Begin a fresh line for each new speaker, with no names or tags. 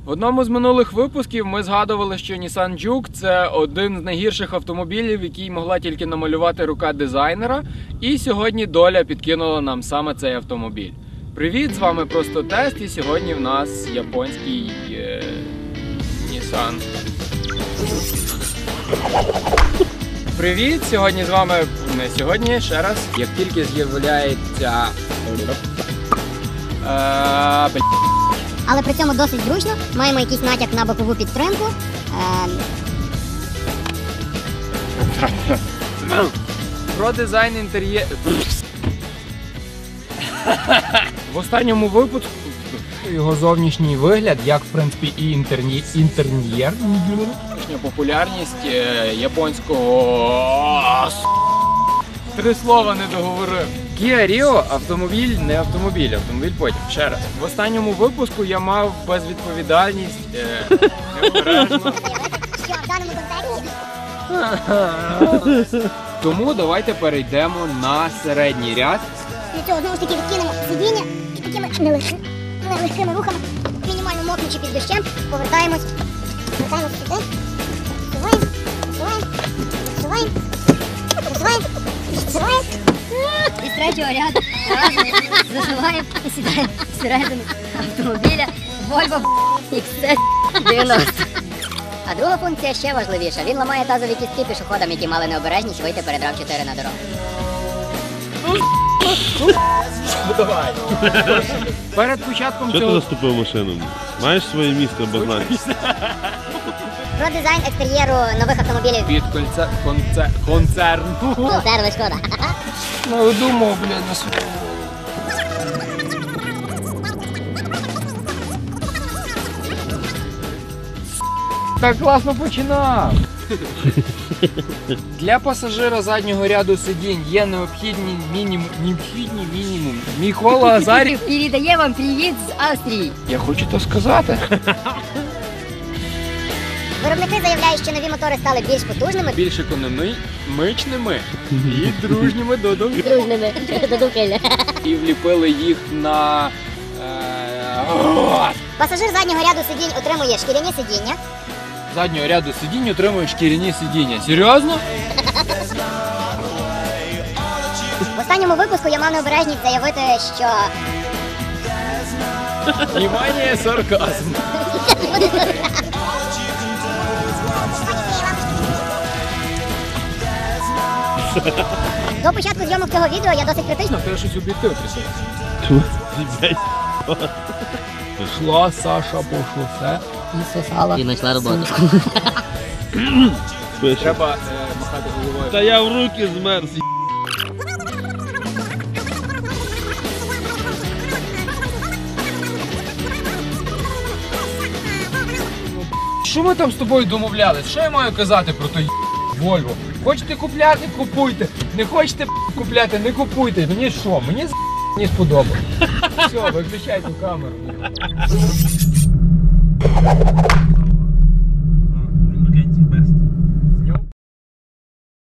В одному з минулих випусків ми згадували, що Nissan Juke – це один з найгірших автомобілів, який могла тільки намалювати рука дизайнера. І сьогодні доля підкинула нам саме цей автомобіль. Привіт, з вами Просто Тест, і сьогодні в нас японський Nissan. Привіт, сьогодні з вами, не сьогодні, ще раз, як тільки з'являється...
Але при цьому досить зручно, маємо якийсь натяк на бокову підтримку.
Про дизайн інтер'єру. В останньому випуску його зовнішній вигляд, як в принципі і інтер'єр, популярність японського... Три слова не договорив. Kia Rio – автомобіль, не автомобіль, автомобіль потім. Ще раз. В останньому випуску я мав безвідповідальність, необережно.
Що в даному контексті?
Тому давайте перейдемо на середній ряд.
Для цього знову ж таки відкинемо сидіння і такими нелегкими рухами, мінімально мокнучи під дощем, повертаємось сюди, відсуваємо. І з третього ряду заживаємо і сідаємо всередину автомобіля Volvo XC90. А друга функція ще важливіша. Він ламає тазові кістки пішоходам, які мали необережність вийти перед RAV4 на дорогу.
Давай. Перед початком
Що ти
цього...
заступив машину? Маєш своє місце обозначити?
Про дизайн екстер'єру нових автомобілів
Від концерну.
концерну Шкода.
Ну, думав, блядь, на свою. Так класно починав. Для пасажира заднього ряду сидінь є необхідний мінімум. Микола Азарів.
Передає вам привіт з Австрії.
Я хочу то сказати.
Виробники заявляють, що нові мотори стали більш потужними.
Більш економічними і дружніми до думки.
Дружними до Дукеля.
І вліпили їх на...
Пасажир заднього ряду сидінь отримує шкіряні сидіння.
Заднього ряду сидінь отримують шкіряні сидіння. Серйозно?
В останньому випуску я мав необережність заявити, що...
Внимание, сарказм.
До початку зйомок цього відео я досить критично.
Ти щось об'єктив трясеться.
Блядь.
Пішла Саша по шосе.
І сосала. І знайшла роботу.
Пише.
Треба махати головою.
Та я в руки змерз.
Що ми там з тобою домовлялись? Що я маю казати про той Volvo? Хочете купляти – купуйте. Не хочете купляти – не купуйте. Мені що? Мені сподобалось. Все, виключайте камеру.